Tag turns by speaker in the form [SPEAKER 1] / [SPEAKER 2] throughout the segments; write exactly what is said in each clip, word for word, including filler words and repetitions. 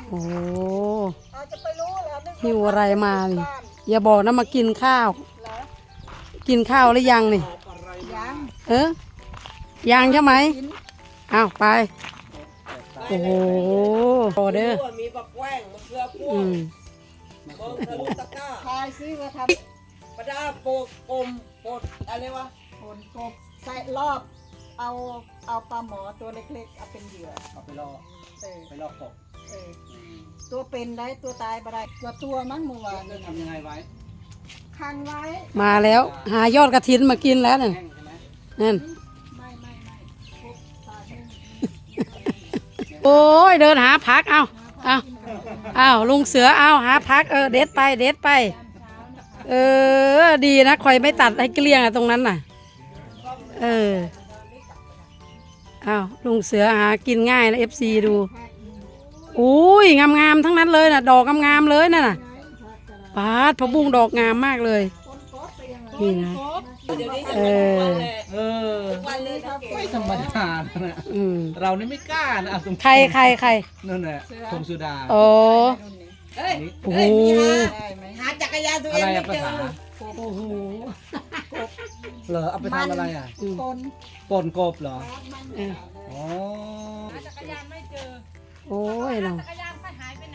[SPEAKER 1] โอ้
[SPEAKER 2] อาจจะไปรู้เหรอนึก
[SPEAKER 1] หิวอะไรมานี่อย่าบอกนะมากินข้าว
[SPEAKER 2] เหรอ
[SPEAKER 1] กินข้าวหรือยังนี่
[SPEAKER 2] ยัง
[SPEAKER 1] เออยังใช่ไหม
[SPEAKER 2] กิน
[SPEAKER 1] อ้าวไปโอ้โหโอเด้อ
[SPEAKER 3] มีบักแว้งมะเขือพว
[SPEAKER 1] อื
[SPEAKER 3] ง
[SPEAKER 1] ม
[SPEAKER 3] มองทะลุตะกร้า
[SPEAKER 2] ทายซื้อมาท
[SPEAKER 3] ประดาโปกกลมโปดอะไรวะ
[SPEAKER 2] ำผลกบใส่รอบ เอาเอาปลาหมอตัวเล็กๆเอาเป็นเหยื่อ
[SPEAKER 4] เอาไปล่อ
[SPEAKER 2] เออ
[SPEAKER 4] ไปล่อกบ
[SPEAKER 2] เออตัวเป็นได้ตัวตายบ่ได้ตัวตัวมั้งเมื่อวาน
[SPEAKER 4] จะทำยังไงไว้
[SPEAKER 2] คังไว้
[SPEAKER 1] มาแล้ว หายอดกระถินมากินแล้วนั่น
[SPEAKER 4] แห้งใช่ไหม
[SPEAKER 1] นั่น
[SPEAKER 2] ไม่ไม่ไม่พบตายไม่
[SPEAKER 1] โอ้ยเดินหาพักเอาเอาเอาลุงเสือเอาหาพักเออเด็ดไปเด็ดไป เออดีนะคอยไม่ตัดให้เกลี้ยงอะตรงนั้นน่ะเออเอาลุงเสือหากินง่ายนะเอฟซีดูอุ้ยงามๆทั้งนั้นเลยน่ะดอกงามๆเลยน่ะน่ะปาดพะบุ้งดอกงามมากเลยนี่นะ
[SPEAKER 3] เดี๋ยวนี้จะ
[SPEAKER 1] เอ
[SPEAKER 3] เป็นทุกวัน
[SPEAKER 1] อ
[SPEAKER 3] เลย
[SPEAKER 4] เออ
[SPEAKER 3] ทุกวันเลยนะเก๋
[SPEAKER 4] ไม่ธรรมดานะ
[SPEAKER 1] อืม
[SPEAKER 4] เรานี่ไม่กล้านะเอาตรง
[SPEAKER 1] ใครใครใคร
[SPEAKER 4] นั่นแหละพงสุดา
[SPEAKER 1] โอ้
[SPEAKER 3] เฮ้ย
[SPEAKER 1] โอ้โห
[SPEAKER 3] เฮ้ยมีหา
[SPEAKER 2] ได้ไหม
[SPEAKER 3] หาจักรยานตัวเอ
[SPEAKER 4] อะ
[SPEAKER 3] ง
[SPEAKER 4] ไร
[SPEAKER 3] ไม่
[SPEAKER 4] อะภา
[SPEAKER 3] เจอ
[SPEAKER 4] ษา
[SPEAKER 1] โอ้โห
[SPEAKER 4] เหรอเอาไปทำอะไรอ่ะ
[SPEAKER 1] อืม
[SPEAKER 2] คน
[SPEAKER 4] ป่นกบเหรอ
[SPEAKER 1] เออ
[SPEAKER 4] อ๋อ
[SPEAKER 1] โอ้ยเนาะ
[SPEAKER 5] จักรยานไปหายไปไหน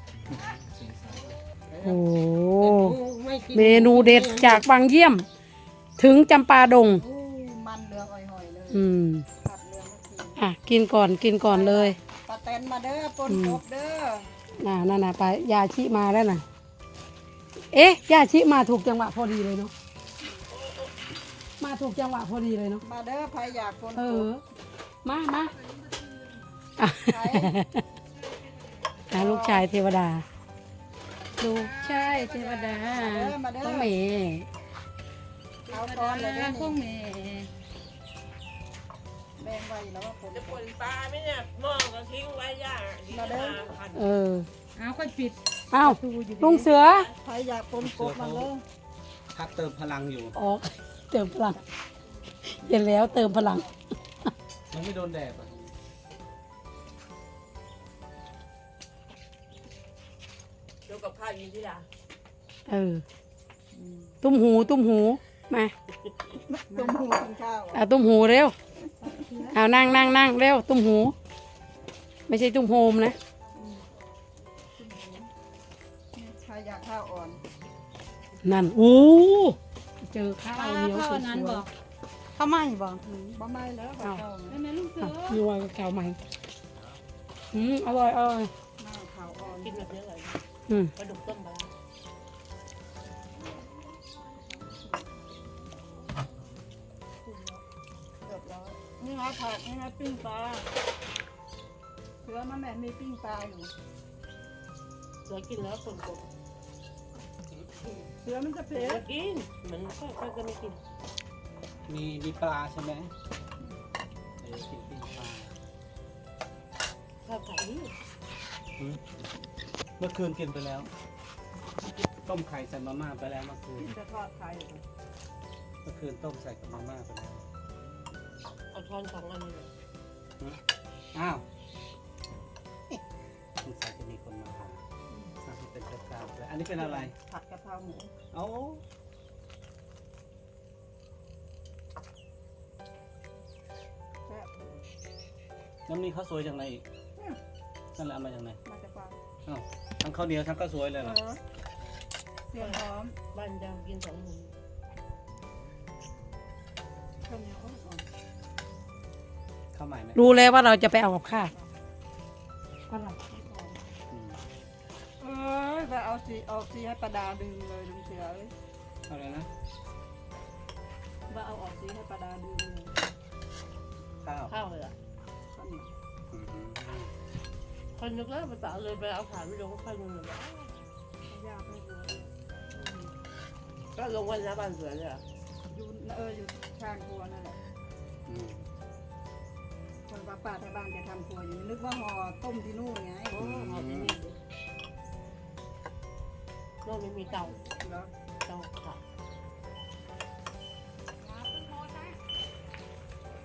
[SPEAKER 1] โอ้เมนูเด็ดจากบางเยี่ยม ถึงจำปาดง
[SPEAKER 2] อู้มันเหลืองอ่อยๆเลย
[SPEAKER 1] อืม
[SPEAKER 2] ผัดเหลืองเมื่อกี้
[SPEAKER 1] อ่ะกินก่อนกินก่อนเลย
[SPEAKER 2] ปลาแตนมาเด้อปนกบเด้อ
[SPEAKER 1] น่ะนั่นน่ะไปยาชิมาแล้วน่ะ เอ๊ะยาชิมาถูกจังหวะพอดีเลยเนาะมาถูกจังหวะพอดีเลยเนาะ
[SPEAKER 2] มาเด้อใครอยากปน
[SPEAKER 1] เอก อบ มามาอ่ะ
[SPEAKER 2] ใคร
[SPEAKER 1] อ่ะลูกชายเทวดา ลูกชายเทวดา
[SPEAKER 2] มาเด้อมาเด้อ
[SPEAKER 1] ต้องเม
[SPEAKER 2] เอาก้อนเลยเด้อ
[SPEAKER 1] ต้
[SPEAKER 2] นี่
[SPEAKER 1] องเม
[SPEAKER 2] แบ่งไว้แล้วว่าผม
[SPEAKER 3] จะปนปลาไหมเนี่ยหม้อก็ทิ้งไว้ย่า
[SPEAKER 2] มาเด้อ
[SPEAKER 3] พัน
[SPEAKER 1] เออ
[SPEAKER 5] เอาค่อยปิด
[SPEAKER 1] เอ้าลุงเสือ
[SPEAKER 2] ใครอยากปนกบมาเลย
[SPEAKER 4] พักเติมพลังอยู่
[SPEAKER 1] ออกเติมพลังเห็นแล้วเติมพลัง
[SPEAKER 4] มันไม่โดนแดดอ่ะ
[SPEAKER 3] เดี๋ยวกับข้าวยินที่ละ
[SPEAKER 1] เออ ตุ้มหูตุ้มหูมา
[SPEAKER 2] ตุ้มหูกินข้าว
[SPEAKER 1] เอาตุ้มหูเร็วเอานั่งนั่งนั่งเร็วตุ้มหู ไม่ใช่ตุ้มโฮมนะ
[SPEAKER 2] ใครอยากข้าวอ่อน
[SPEAKER 1] นั่นอู้เจอข้าวเหนียวสวย
[SPEAKER 5] เขาไม่บอก
[SPEAKER 2] บ่ไม่แล้วข้าว
[SPEAKER 5] แม่แม่ลูกเสื
[SPEAKER 1] ๆ
[SPEAKER 5] อ
[SPEAKER 1] อ่ะนัวกับข้าวใหม่อืมอร่อยอร่อย
[SPEAKER 2] มาข้าวอ่อน
[SPEAKER 3] กินแบบนี้เลย
[SPEAKER 1] อืม
[SPEAKER 3] ปลาดุกต้มปลา
[SPEAKER 2] เกือบร้อยนี่ไงผักนี่ไงปิ้งปลาเสือมาแม่มีปิ้งปลาอยู่
[SPEAKER 3] เสือกินแล้วคนกบ
[SPEAKER 2] เสือมันจะ
[SPEAKER 3] เสื
[SPEAKER 2] เผ็
[SPEAKER 3] อ
[SPEAKER 2] ด
[SPEAKER 3] กินมันก็ก็จะไม่กิน
[SPEAKER 4] มีมีปลาใช่ไหมเออกินปิ้งปลา
[SPEAKER 3] ข้าวไก่นี่
[SPEAKER 4] หืมเมื่อคืนกินไปแล้ว ต้มไข่ใส่มาม่าไปแล้วเมื่อคืน
[SPEAKER 2] กินจะทอดไข่
[SPEAKER 4] เมื่อคืนต้มใส่กับมาม่าไปแล้ว
[SPEAKER 3] เอาช้อนสองอันเลย
[SPEAKER 4] อ้าวสงสัยจะมีคนมาหาอ่ะเป็นกระกาเลยอันนี้เป็นอะไร
[SPEAKER 2] ผัดกะเพราหมู
[SPEAKER 4] เอา
[SPEAKER 2] แซ่บ
[SPEAKER 4] น้ำนี้ข้าวสวยจากไหนอีกนั่นแหละเอามาจากไหน
[SPEAKER 2] มาจากฟาร์ม
[SPEAKER 4] อ้าวทั้งข้าวเหนียวทั้งข้าวสวยเลยเหรอ
[SPEAKER 2] เออเตรียมพร้อม
[SPEAKER 3] บ้านจะกินสองหมู
[SPEAKER 2] ข้าวเหนียวอ่อน
[SPEAKER 4] ข้าวใหม่ไหม
[SPEAKER 1] รู้แล้วว่าเราจะไปเอากับข้าวอะไร
[SPEAKER 4] อืม
[SPEAKER 2] เออไปเอาสีเอาสีให้ประดาดึงเลยดึงเสือเลย
[SPEAKER 4] เอาอะไรนะ
[SPEAKER 2] ว่าเอาออกสีให้ประดาดึงเลย
[SPEAKER 4] ข้าว
[SPEAKER 3] ข้าวเลยอ่ะ
[SPEAKER 2] ข้าวเหนียว
[SPEAKER 4] อืม
[SPEAKER 3] คนนึกแล้วภาษาเลยไปเอาผ่านไปลงข้าวนึงเลย
[SPEAKER 2] ยากไม่รู้
[SPEAKER 3] ก็ลงวันละบ้านเสือเลยอ่ะ
[SPEAKER 2] อยู่เอออยู่ข้างครัวนั่นแหละ
[SPEAKER 4] อืม
[SPEAKER 2] คนป้าป้าที่บ้านจะทำครัวอยู่นึกว่าห่อต้มที่นู่นไง
[SPEAKER 3] โอ้หอมนี่โน่นไม่มีเตา
[SPEAKER 2] แล้ว
[SPEAKER 3] เตาค่ะ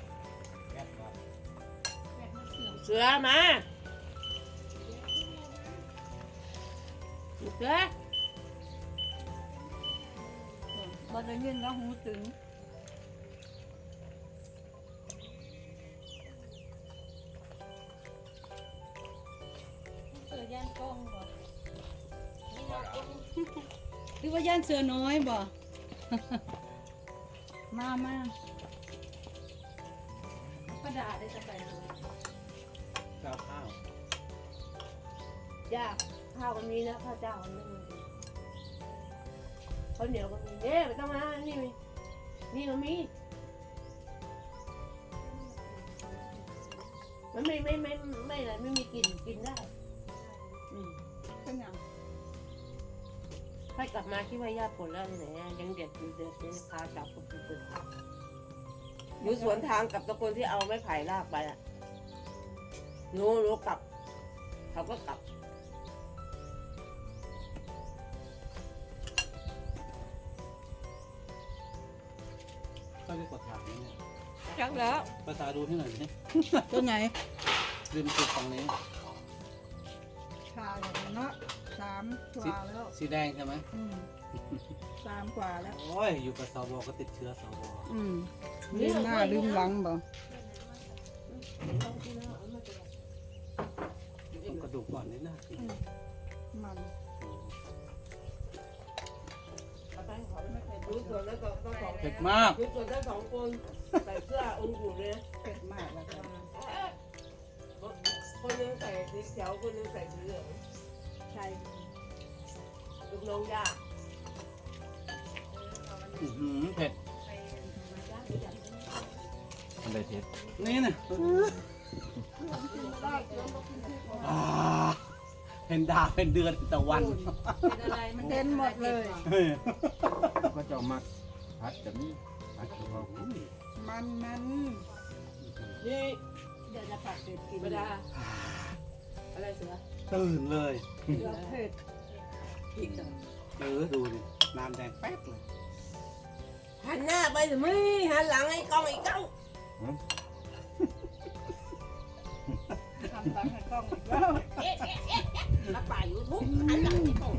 [SPEAKER 3] เสือมาเด้อ
[SPEAKER 2] บ่ได้ยินแล้วหูตึง
[SPEAKER 5] เสือย่านกล้องบ่หรือว่าย่านเสือน้อยบ่ มามา
[SPEAKER 3] กระดาษได้จะไปเลย
[SPEAKER 4] ข้าวข้าว
[SPEAKER 3] จ้าข้าวก็มีนะข้าวเจ้าก็ไม่มีข้าวเหนียวก็มีเนี่ยไม่ต้องมานี่มีนี่ก็มีมันไม่ไม่ไม่ไม่อะไรไม่มีกลิ่นกินได้อืม
[SPEAKER 2] เป็นหยัง
[SPEAKER 3] ให้กลับมาคิดว่าญาติผลแล้วที่ไหนอะยังเด็ดอยู่เด็ดยังพาจับคนอื่นอยู่สวนทางกับตะคนที่เอาไม้ไผ่ลากไปอ่ะหนูหนูกลับ เขาก็กลับ
[SPEAKER 4] ก็เรียกว่าถางนี่เนี่ย
[SPEAKER 2] จักแล้ว
[SPEAKER 4] ภาษาดูที่หน่อยสิ
[SPEAKER 2] ตัวไหน
[SPEAKER 4] ริมสุดฝั่งนี้
[SPEAKER 2] ชาแล้วเนาะสามกว่าแล้ว
[SPEAKER 4] สีแดงใช่ไหม
[SPEAKER 2] อืมสามกว่าแล้ว
[SPEAKER 4] โอ้ยอยู่กับสวก็ติดเชื้อสว
[SPEAKER 2] อืมลืมหน้าลืมหลังบ่
[SPEAKER 4] ต้องกระดูกก่อนนี่นะ
[SPEAKER 2] มัน
[SPEAKER 3] ดูสวนแล้วก็ต้องสอง
[SPEAKER 4] เผ็ดมาก
[SPEAKER 3] ดูสวนทั้งสองคนใส่เสื้อองค์อยู่เลยนะ
[SPEAKER 2] เผ็ดมากแล้วจ้ะ
[SPEAKER 3] คนหนึงใส่สีเขียวคนหนึงใส่สีเหลือง
[SPEAKER 2] ใช่
[SPEAKER 3] ลูกน้องยาก
[SPEAKER 4] อื้อหือเผ็ด
[SPEAKER 6] อะไรเทส
[SPEAKER 4] นี่นะอ่าเห็นดาวเป็นเดือนเป็นตะวัน
[SPEAKER 5] เป็นอะไรมัน
[SPEAKER 2] เด่นหมดเลย
[SPEAKER 4] เฮ้ย
[SPEAKER 6] ก็จะเอามักพัดกับนี่พัดกับเขา
[SPEAKER 2] มันมัน
[SPEAKER 3] นี่
[SPEAKER 2] เดี๋ยวจะผัดเผ็ดกิน
[SPEAKER 3] เวลาอะไรเสือ
[SPEAKER 4] ตื่นเลย
[SPEAKER 2] เดี๋ยวเผ็ด
[SPEAKER 3] อีก
[SPEAKER 4] เออดูดิน้ำแดงแป๊ดเลย
[SPEAKER 3] หันหน้าไปสิมึงหันหลังไอ้กล้องไอ้กล้อง
[SPEAKER 2] ทำหลังให้กล้องอีกแล้ว
[SPEAKER 3] รับป่ายูทูบหันหลังไอ้กล้อง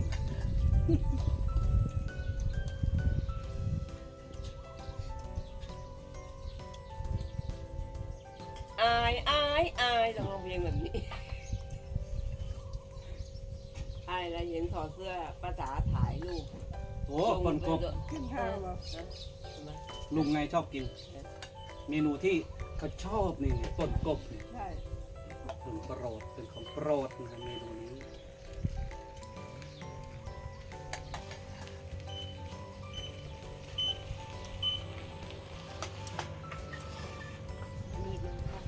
[SPEAKER 3] อายอายอายลองร้องเพลงแบบนี้อายแล้วเห็นถอดเสื้อป้าจ๋าถ่ายรูป
[SPEAKER 4] โอ้คนกบ
[SPEAKER 2] กินข้าวบ่
[SPEAKER 4] ลุงไงชอบกิน เมนูที่เขาชอบนี่ต้นกบนี่
[SPEAKER 2] ใช่
[SPEAKER 4] เป็นโปรดเป็นของโปรดนะครับเมนูนี้
[SPEAKER 3] มีมันค่ะ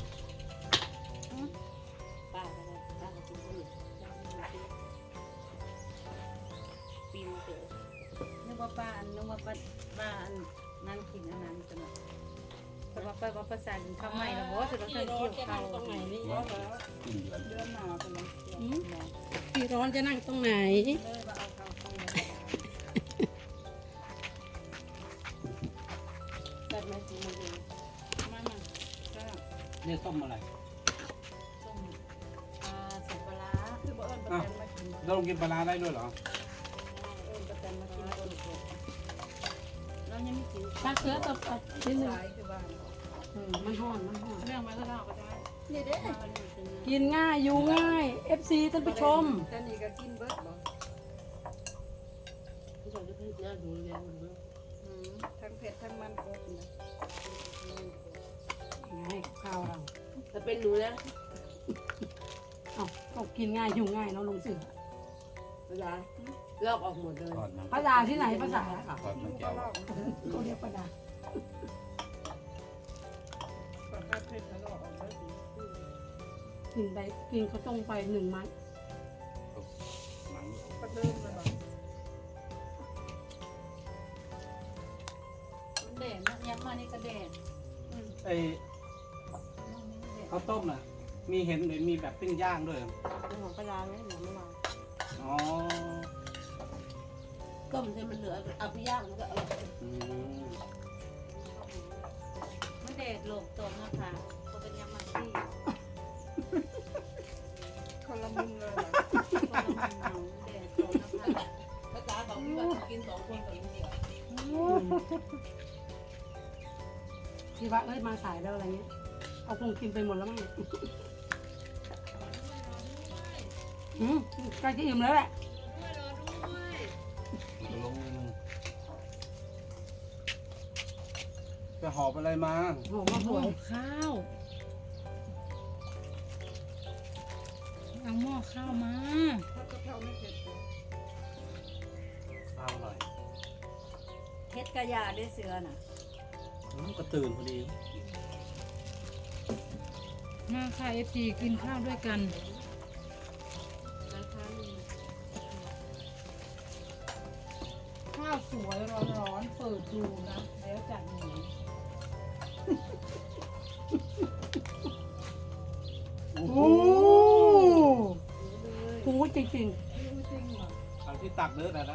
[SPEAKER 3] ป้าก็ได้ป้าก็กินข้าวเหนียวปีนเต๋อ
[SPEAKER 5] นึกว่าป้าอันนึกว่าป้าป้าอันนั่นกินอันนั้นจังแต่ว่าป้าว่าภาษากินข้าวใหม่แล้วบ่สิว่าเคยเกี่ยวข้าวตรงไหนนี่
[SPEAKER 2] แล้วแล้ว
[SPEAKER 6] กินเดือน
[SPEAKER 2] เดือนหน้าเป็นไร
[SPEAKER 1] พี่ร้อนจะนั่งตรงไหน
[SPEAKER 5] เลยว่าเอาข้าวเข้ามา
[SPEAKER 3] แบบไหนกินมันเอง
[SPEAKER 5] มามาก็
[SPEAKER 4] นี่ต้มอะไร
[SPEAKER 5] ต้มอ่าใส่ปลาร้า
[SPEAKER 2] คือบ่เอิ้นประแตนมากิน
[SPEAKER 4] เราลงกินปลาร้าได้ด้วยเหรอ
[SPEAKER 2] เอิ้นประแตนมากินคนเดียว
[SPEAKER 5] เรายังไม่กิน
[SPEAKER 1] ตักเสือตบตัดชิ้นหนึ่ง
[SPEAKER 2] สายคือบ้าน
[SPEAKER 1] อืมมันห่อนมันห่อน
[SPEAKER 5] เรื่องมาก็เล่าก็ได้
[SPEAKER 2] นี่เด้
[SPEAKER 5] มาวันนี้เป็นไง
[SPEAKER 1] กินง่ายอยู่ง่าย เอฟ ซี ท่านผู้ชม
[SPEAKER 2] แต่นี่ก็กินเบิดบ่
[SPEAKER 3] ผู้ชายจะพูดน่าดูแลมันเนอะ
[SPEAKER 2] อืมทั้งเผ็ดทั้งมันครบนะ
[SPEAKER 1] ให้ข้าวเรา
[SPEAKER 3] ถ้าเป็นหนูนะ
[SPEAKER 1] เอ้าก็กินง่ายอยู่ง่ายเนาะลุงเสือ
[SPEAKER 3] ภาษาลอกออกหมดเลย
[SPEAKER 6] ทอดมัน
[SPEAKER 1] ภาษาที่ไหนภาษา
[SPEAKER 6] ทอดมัน
[SPEAKER 2] ก็
[SPEAKER 6] แก้ว
[SPEAKER 2] ลอก
[SPEAKER 1] เขาเรียกประดา
[SPEAKER 2] ก่อนถ้าเผ็ดแล้วก็ออกเบิดอีก
[SPEAKER 1] กินไปกินข้าวต้มไปหนึ่งมัด
[SPEAKER 6] หนัง
[SPEAKER 2] ก็เริ่มเลยบ่
[SPEAKER 5] แดดนะยังมานี่ก็แดด
[SPEAKER 4] ไอ้ข้าวต้มน่ะ มีเห็นเห็นมีแบบปิ้งย่างด้วยเหรอ
[SPEAKER 3] เรื่องของปลาร้าเนี่ยหนูไม่มา
[SPEAKER 4] อ๋อ
[SPEAKER 3] ต้มให้มันเหลือเอาไปย่างมันก็อร่อย
[SPEAKER 4] อืม
[SPEAKER 5] มันแดดโลกตกนะคะก็เป็นยังมาที่
[SPEAKER 2] เขาคนละมุมเลยเหรอ
[SPEAKER 5] คนละมันเมาแดดโดนนะคะ
[SPEAKER 3] ภาษาบอกพี่ว่าจะกินสองคนกับลุงเดียว
[SPEAKER 1] ที่ว่าเอ้ยมาสายแล้วอะไรเงี้ยเอาคงกินไปหมดแล้วมั้งอืมใกล้จะอิ่มแล้วแหละ
[SPEAKER 4] ลงนิดนึงจะหอบอะไรมา
[SPEAKER 1] หอมมาสวย
[SPEAKER 5] ข้าวเอาหม้อข้าวมา
[SPEAKER 2] ถ้ากะเพราไม่เผ็ดเลย
[SPEAKER 4] เอาหน่อย
[SPEAKER 2] เฮ็ดกระยาได้เสือน่ะ
[SPEAKER 4] อืมก็ตื่นพอดี
[SPEAKER 5] มาค่ะเอฟซีกินข้าวด้วยกัน ข้าวสวยร้อนๆเปิดดูนะ แล้วจัดหมู
[SPEAKER 4] โอ้โห
[SPEAKER 1] โอ้โหจริง
[SPEAKER 2] จริงเหรอ
[SPEAKER 4] เอาที่ตักเด้อแต่ละ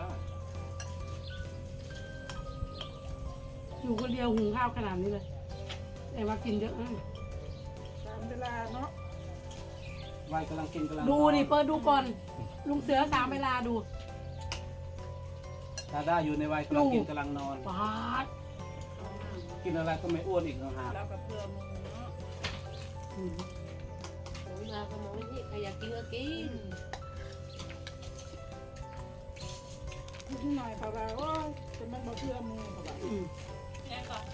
[SPEAKER 1] ๆอยู่คนเดียวหุงข้าวขนาดนี้เลยแต่ว่ากินเยอะนะ
[SPEAKER 2] ตามเวลาเนาะ
[SPEAKER 4] วัยกำลังกินกำลัง
[SPEAKER 1] ดู
[SPEAKER 4] นอน
[SPEAKER 1] ดิเปิดดูก่อน ลุงเสือสามเวลาดู
[SPEAKER 4] ดาด้าอยู่ในวัยกำลังกินกำลังนอน
[SPEAKER 1] ปาด
[SPEAKER 4] กินอะไรก็ไม่อ้วนอีกต่างหาก
[SPEAKER 2] แล้วกับเพื่อมุงเนาะ
[SPEAKER 1] อืม
[SPEAKER 3] ผมมาก็มองนี่ใครอยากกินก็กิน
[SPEAKER 2] นิดหน่อยเขาว่าโอ้ยจะมันบ่เพื่อมุงเขาว่า
[SPEAKER 1] อืม
[SPEAKER 5] แม่ก่อน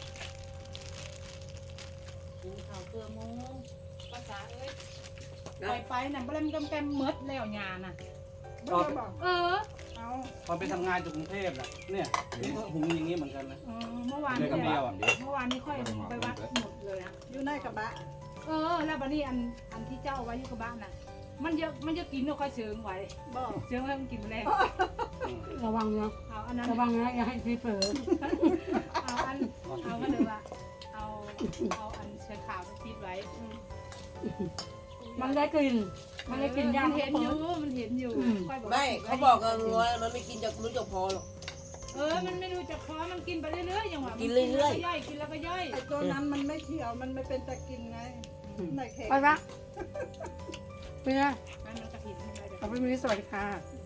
[SPEAKER 5] กินข้าวเกลือหมูภาษาเอ้ยไปไปน่ะบ่ได้มันกำแกมเมดแล้วยาน่ะ
[SPEAKER 2] บ่ได้บอก
[SPEAKER 5] เออ
[SPEAKER 2] เอา
[SPEAKER 4] ตอนไปทำงานจากกรุงเทพน่ะเนี่ยนี่ก็หุงอย่างนี้เหมือนกันนะ
[SPEAKER 5] เออเมื่อวาน
[SPEAKER 4] เดี๋
[SPEAKER 5] นี้
[SPEAKER 4] ยวกับเดียวอ่ะ
[SPEAKER 5] เมื่อวานนี้ค่อยไปวัดหมดเลยอะ
[SPEAKER 2] อยู่ในกระบะ
[SPEAKER 5] เออ แล้วบัดนี้อันอันที่เจ้าเอาไว้อยู่กับบ้านน่ะ มันเยอะมันจะกินเราค่อยเชิงไว้
[SPEAKER 2] บอก
[SPEAKER 5] เชิงแล้วมันกินแมลง
[SPEAKER 4] อืม
[SPEAKER 1] ระวังนะ
[SPEAKER 5] เอาอันนั้น
[SPEAKER 1] ระวังนะอย่าให้ซีเผลอ
[SPEAKER 5] เอาอันเอาก็เลยว่าเอาเอาอันเชือกขาวไปปิดไว้อืม
[SPEAKER 1] มันได้กลิ่นมันได้กลิ่นย่าง
[SPEAKER 5] มันเห็นอยู่มันเห็นอยู่
[SPEAKER 1] อืม
[SPEAKER 5] ค่อยบอก
[SPEAKER 3] ไม่
[SPEAKER 5] ว่
[SPEAKER 3] เขาบอกกันว่ามันไม่กินจากรู้จักพอหรอก
[SPEAKER 5] เออมันไม่รู้จักพอมันกินไปเรื่อยๆอย่างว่า
[SPEAKER 3] กิ
[SPEAKER 5] กิ
[SPEAKER 3] นเรื่อยๆ
[SPEAKER 5] ย่อยกินแล้วก็ย่อย
[SPEAKER 2] ไอ้ตัวนั้นมันไม่เขียวมันไม่เป็นตะกินไงไม่แข็ง
[SPEAKER 1] ไปปะไปนะ
[SPEAKER 5] มันมันกระถิ่นอะไรแบบ
[SPEAKER 1] ขอบคุณมิสวัสดีค่ะ